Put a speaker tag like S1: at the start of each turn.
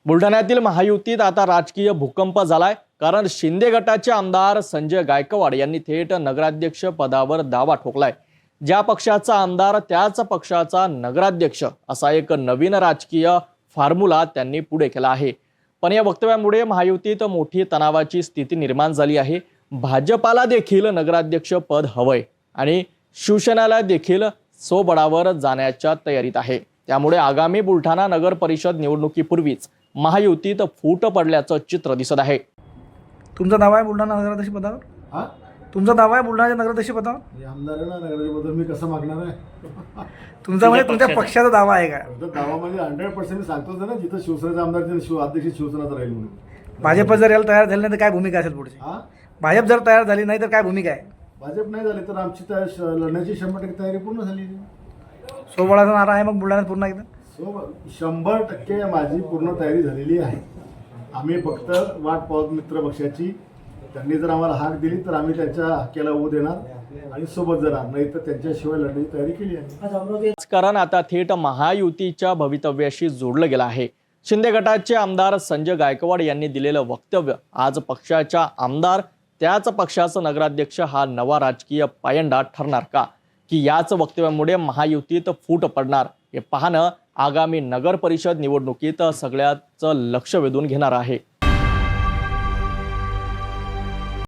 S1: बुलढाण्यातील महायुतीत आता राजकीय भूकंप झालाय, कारण शिंदे गटाचे आमदार संजय गायकवाड यांनी थेट नगराध्यक्ष पदावर दावा ठोकलाय। ज्या पक्षाचा आमदार त्याच पक्षाचा नगराध्यक्ष असा एक नवीन राजकीय फॉर्म्युला त्यांनी पुढे केला आहे। पण या वक्तव्यामुळे महायुतीत मोठी तणावाची स्थिती निर्माण झाली आहे। भाजपाला देखील नगराध्यक्ष पद हवंय आणि शिवसेनेला देखील सोबळावर जाण्याच्या तयारीत आहे। त्यामुळे आगामी बुलढाणा नगर परिषद निवडणुकीपूर्वीच महायुतीत फूट पडल्याचं चित्र दिसत आहे।
S2: तुमचा दावा आहे बुलढाणा नगराध्यक्ष पदावर?
S3: हां,
S2: तुमचा दावा आहे बुलढाणा नगराध्यक्ष पदावर?
S3: आमदार आहे ना, नगराध्यक्षपद मी कसं मागणार आहे?
S2: तुमचा म्हणजे तुमच्या पक्षाचा दावा आहे का?
S3: तर दावा म्हणजे 100% मी सांगतोच ना, जिथं शिवसेनेचा आमदार तिथे अध्यक्ष शिवसेनाचा राहील म्हणून।
S2: भाजप जर याला तयार झाली नाही तर काय भूमिका असेल पुढची?
S3: हां,
S2: भाजप जर तयार झाली नाही तर काय भूमिका आहे?
S3: भाजप नाही झाले तर आमची लढण्याची 100% तयारी पूर्ण झाली।
S2: सोबळाचा नारा आहे मग बुलढाण्यात पूर्ण एकदा?
S3: 100% माझी पूर्ण तयारी झालेली आहे। आम्ही फक्त वाट पाहत मित्र पक्षाची, त्यांनी जर आम्हाला हाक दिली तर आम्ही त्यांच्या हक्याला उभं देणार आणि सोबत जाणार, नाही तर त्यांच्याशिवाय लढण्याची तयारी केली आहे।
S1: राजकारण आता थेट महायुतीच्या भवितव्याशी जोडलं गेलं आहे। शिंदे गटाचे आमदार संजय गायकवाड यांनी दिलेलं वक्तव्य आज पक्षाच्या आमदार त्याच पक्षाचा नगराध्यक्ष हा नवा राजकीय पायंडा ठरणार का, की याच वक्तव्यामुळे महायुतीत फूट पडणार, हे पाहणं आगामी नगर परिषद निवडणुकीत सगळ्याच लक्ष वेधून घेणार आहे।